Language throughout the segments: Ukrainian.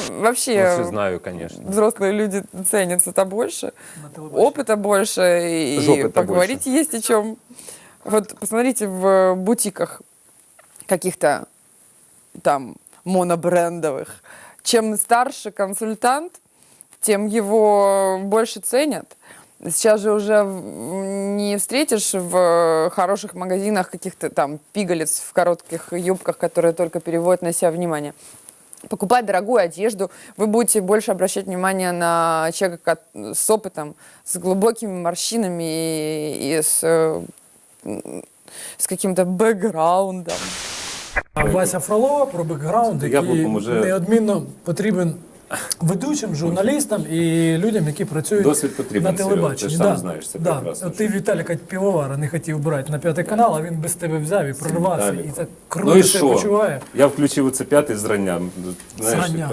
вообще все знаю, конечно. взрослые люди ценят это больше, опыта больше, и Жопы-то поговорить больше. есть о чем. Вот посмотрите в бутиках каких-то там монобрендовых. Чем старше консультант, тем его больше ценят. Сейчас же уже не встретишь в хороших магазинах каких-то там пигалиц в коротких юбках, которые только переводят на себя внимание. Покупать дорогую одежду, вы будете больше обращать внимание на человека с опытом, с глубокими морщинами и с каким-то бекграундом. А Вася Фролова про бекграунд, який Яблуком уже- неодмінно потрібен ведучим, журналістам і людям, які працюють Досвід потрібен, на Серега, телебаченні. ти ж сам знаєш це прекрасно. От ти Віталіка Півовара не хотів брати на п'ятий канал, а він без тебе взяв і прорвався, Віталік. і так Ну круто і себе що? почуває. Я включив оце п'ятий зрання. Зрання.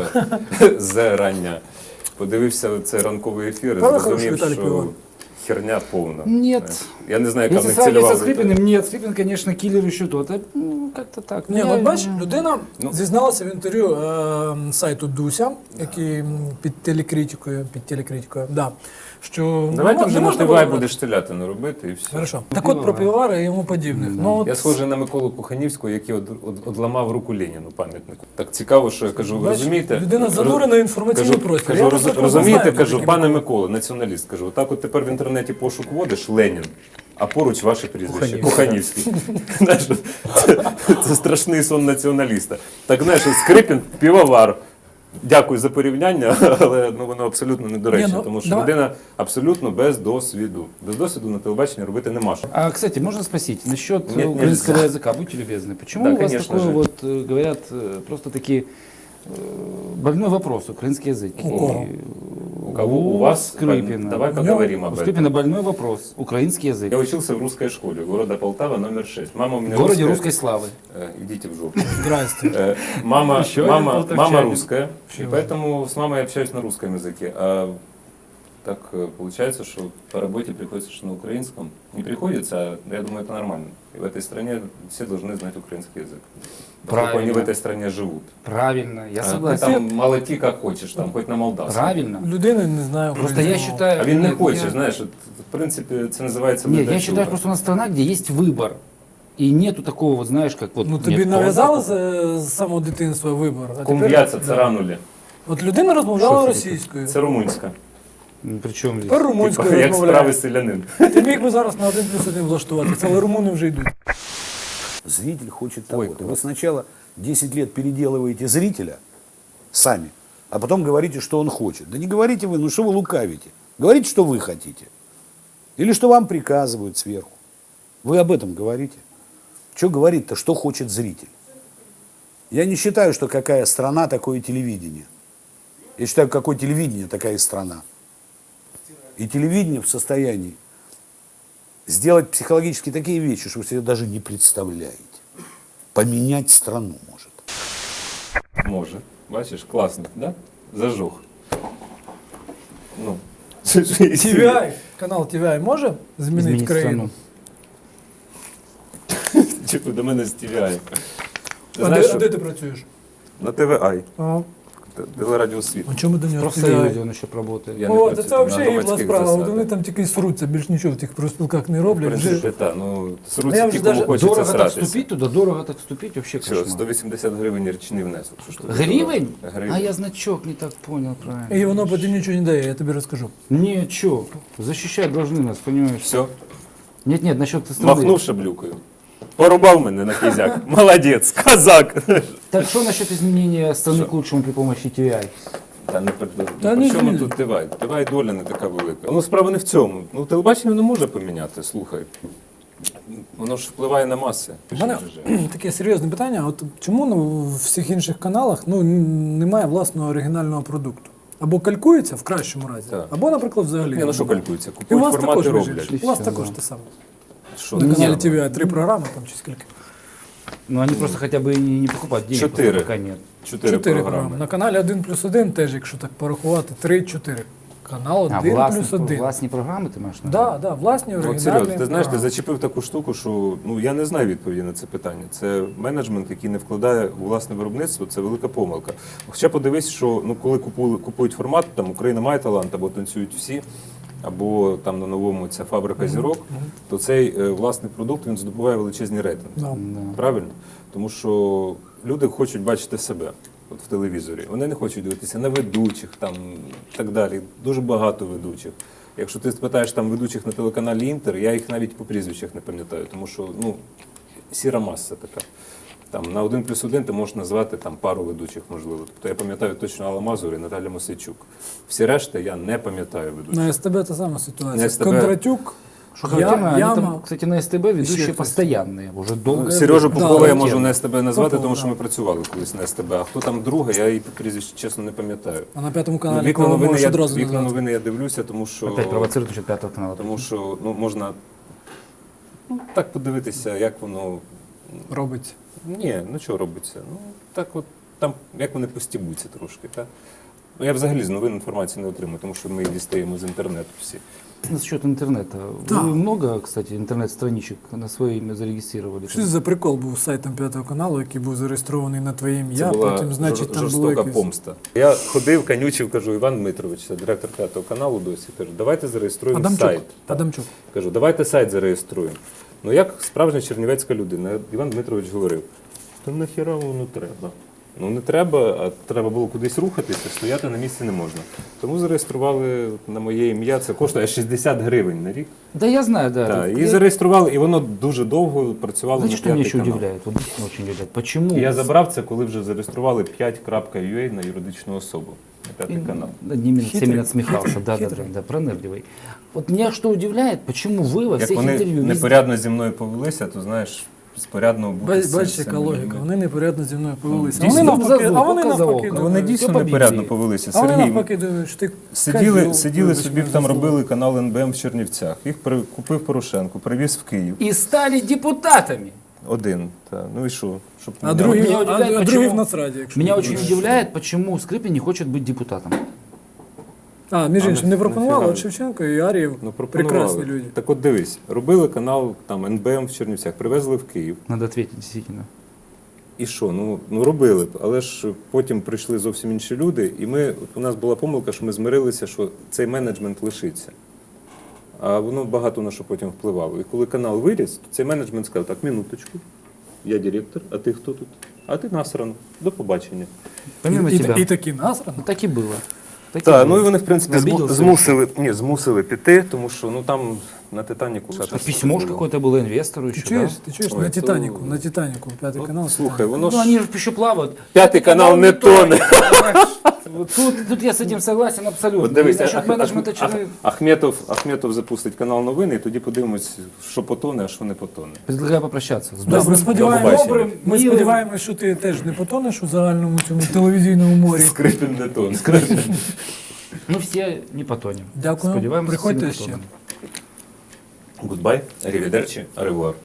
Зрання. Подивився цей ранковий ефір і Правда, зрозумів, хороший Віталій що Пивовар? херня повна. Нет. Я не знаю, яка в Если них сравнивать цільова со аудиторія. Скрипиным, нет, Скрипин, конечно, киллер еще тот. А, как-то так. Ні, от бачиш, людина Ну. зізналася в інтерв'ю сайту Дуся, який під телекритикою, да, що Давайте не вже на можна ТВ було- будеш телятину робити і все. Хорошо. Так от про Півовара і йому подібних. Ну, от, Я схожий на Миколу Куханівського, який одламав руку Леніну, пам'ятнику. Так цікаво, що я кажу, ви бачиш, розумієте? людина занурена в інформаційний Кажу, простір. кажу, Я такого розумієте, знаю, кажу, такий пане Микола. Микола, націоналіст, кажу, отак от тепер в інтернеті пошук вводиш Ленін, а поруч ваше прізвище Куханівський. Знаєш, це страшний сон націоналіста. Так, знаєш, Скрипін, Півовар. Дякую за порівняння, але воно абсолютно недоречне, Ні, ну, тому що давай. людина абсолютно без досвіду. Без досвіду на телебаченні робити нема що. А, кстати, можно спросить насчет Нет, украинского нельзя. языка? Будьте любезны. Почему Да, у вас конечно такой же. вот, говорят, просто-таки больной вопрос, украинский язык? У кого? У кого? У вас? Скрипина. Давай У поговорим У об этом. Скрипина больной вопрос, украинский язык. Я учился в русской школе города Полтава, номер 6. Мама у меня В городе русская. русской славы. Идите в жопу. Здрасте. Мама, Еще один мама полтавчанин. русская, и поэтому с мамой общаюсь на русском языке. А так получается, что по работе приходится что на украинском. Не приходится, а я думаю, это нормально. И в этой стране все должны знать украинский язык. Поскольку они в Правильно. этой стране живут. Правильно, я А ты согласен. там молоти как хочешь, там хоть на молдавском. Правильно. Людини не знаю. Просто я считаю... А він не я- хоче, знаєш, от, в принципі, це називається Нет, я ледачуга. считаю, просто у нас страна, где есть выбор. И нету такого, вот знаешь, как вот... Ну нет, тобі то нав'язали вот. з самого дитинства вибор. А Кум'яця, тепер- царанулі. От людина розмовляла Що це російською. Це румунська. Ну, при чем здесь? Тепер Типа, румунською як розмовляє. справи селянин. Ти міг би зараз на 1+1 влаштуватися, але румуни вже йдуть. Зритель хочет того-то. Вы сначала 10 лет переделываете зрителя сами, а потом говорите, что он хочет. Да не говорите вы, ну что вы лукавите. Говорите, что вы хотите. Или что вам приказывают сверху. Вы об этом говорите. Что говорит-то, что хочет зритель? Я не считаю, что какая страна, такое телевидение. Я считаю, какое телевидение, такая и страна. И телевидение в состоянии сделать психологически такие вещи, что вы себе даже не представляете. Поменять страну может. Може. Бачиш, класно, да? Зажух. Ну. TVI, канал TVI може змінити Изменить країну? страну. Типу до мене з TVI. Ти А знаєш, де що ти працюєш? на ТВА, А, телерадіо світ. а чому до нього В профсоюзе TVI? он еще работает. Я не О, працюю це на взагалі їбла громадських справа. От засадах. вони там тільки сруться, більш нічого в тих профспілках не В роблять. принципі, Вже... так. Ну, Я сруться вже ті, кому даже- хочеться Дорого так сратися. вступить туда, дорого так вступить, вообще Все, кошмар. 180 гривень річний внесок. Що ж тобі Гривень? дорого? Гривень. А я значок не так понял правильно. І воно потім нічого не дає, я тобі розкажу. Не, чё, защищать должны нас, понимаешь? Все, Нет, насчет страны. махнув шаблюкою. Порубав мене на кізяк. Молодець, казак. Так что насчет изменения страны к лучшему при помощи TVI? Та не Та при ні, чому ні. тут Тивай? Тивай доля не така велика. Ну, справа не в цьому. Ну, телебачення не може поміняти, слухай. Воно ж впливає на маси. У мене таке серйозне питання. От чому в всіх інших каналах немає власного оригінального продукту? Або калькується в кращому разі, Так. або, наприклад, взагалі. Ні, ну що калькується? І у Купують вас формати, також, роблять. у вас Все, також да. те саме. Що? На каналі Ні, TVI 3 програми там чи скільки? Ну они просто хотя бы и не покупать, денег Четыре. просто пока нет. 4 4 програми. На каналі 1+1 теж, якщо так порахувати, 3-4. Канал А, 1+1. власні програми ти маєш на Да, да, власні От, оригінальні. Серйозно, ти знаєш, ти програми. зачепив таку штуку, що ну я не знаю відповіді на це питання. Це менеджмент, який не вкладає у власне виробництво, це велика помилка. Хоча подивись, що ну коли купують формат, там Україна має талант, або танцюють всі, або там на новому ця фабрика зірок, то цей власний продукт він здобуває величезні рейтинги. Да. Правильно? Тому що люди хочуть бачити себе от в телевізорі. Вони не хочуть дивитися на ведучих там і так далі. Дуже багато ведучих. Якщо ти спитаєш там ведучих на телеканалі Інтер, я їх навіть по прізвищах не пам'ятаю, тому що ну, сіра маса така. Там на 1+1 ти можеш назвати там пару ведучих, можливо. Тобто я пам'ятаю точно Алла Мазур і Наталя Мосейчук. Всі решта я не пам'ятаю ведучих. На СТБ та сама ситуація. На СТБ. Кондратюк, Что характерно, они Яма. там, кстати, на СТБ ведущие Еще постоянные, уже долго. Сережу Да, Попова я да, можу тема. на СТБ назвати, Попов, тому що да. ми працювали колись на СТБ. А хто там друга, я її по прізвищу чесно не пам'ятаю. а на п'ятому Ну, каналі вікна кого новини, можеш одразу вікна назвати? новини я дивлюся, тому що, Опять провоцирует насчет пятого канала. тому що ну, можна ну, так подивитися, як воно. Робиться. Ні, ну що робиться? Ну так от там як вони постібуться трошки. Так? Ну, я взагалі з новин інформації не отримую, тому що ми її дістаємо з інтернету всі. Насчет интернета. Да. Вы много, кстати, интернет-страничек на свое имя зарегистрировали? Що це за прикол був з сайтом п'ятого каналу, який був зареєстрований на твоє ім'я, Це була потім, значить, там було жорстока якесь... помста. Я ходив, канючив, кажу, Іван Дмитрович, це директор п'ятого каналу досі, кажу, давайте зареєструємо Адамчук. сайт. Так. Адамчук. Кажу, давайте сайт зареєструємо. Ну як справжня чернівецька людина, Іван Дмитрович говорив, то нахіра воно треба. Ну не треба, а треба було кудись рухатися, стояти на місці не можна. Тому зареєстрували на моє ім'я, це коштує 60 гривень на рік. Да, я знаю, да. Так, і Я- зареєстрували, і воно дуже довго працювало Знаете, на что меня п'ятий еще канал. удивляет? Вот действительно очень удивляет. Почему? Я забрав це, коли вже зареєстрували 5.ua на юридичну особу, на п'ятий канал. Над ними Хитрый. всеми надсмехался, да, пронырливый. Вот меня что удивляет, почему вы во Як всех вони интервью везде- непорядно зі мною повелися, то знаєш, спорядно бути з Бачиш, яка цими логіка. людьми. Вони непорядно зі мною повелися. дійсно. Вони навпаки, Зазуб, а вони показав навпаки, око. Ну, вони думають, дійсно Все по непорядно Біблії. повелися. а вони Сергій, навпаки думають, що ти сиділи козел, собі, вибач там мене за слово. робили канал НБМ в Чернівцях. Їх купив Порошенко, привіз в Київ. И стали депутатами. Один. Та. Ну і що? Щоб А мене- другий, Меня удивляет, а другий почему- в Нацраді, якщо Меня не очень знаєш. удивляет, почему Скрипин не хочет быть депутатом. Між іншим, не пропонували, нафіга? от Шевченко і Арієв Ну, пропонували. прекрасні люди. Так от дивись, робили канал там НБМ в Чернівцях, привезли в Київ. Надо ответить, действительно. І що? Ну робили, але ж потім прийшли зовсім інші люди, і у нас була помилка, що ми змирилися, що цей менеджмент лишиться. А воно багато на що потім впливало. І коли канал виріс, то цей менеджмент сказав, так, минуточку, я директор, а ти хто тут? А ти насрано, до побачення. Помимо тебя. І такі насрано. Ну, так и было. Так и Так, было. ну і вони, в принципі, Обиделся. змусили піти, тому що ну там на Титаніку. А письмо ж какое-то было инвестору Ти еще, чуєш, да? ти чуєш, Ой, на то- Титаніку, п'ятий канал. Слухай, воно Ну, ж они же еще плавают. п'ятий канал не тоне. Вот Тут я с этим согласен абсолютно. От дивись, И насчет менеджмента человек. Ахметов запустить канал новини, і тоді подивимось, що потоне, а що не потоне. Предлагаю попрощаться. С Да, ми сподіваємося, побачення. ми сподіваємося, що ти теж не потонеш у загальному цьому телевізійному морі. Скрипін не тоне. Мы все не потонем. Дякую. Сподіваємося, Приходьте всі не ще. потонемо. Гудбай, арівідерчі, аревуар.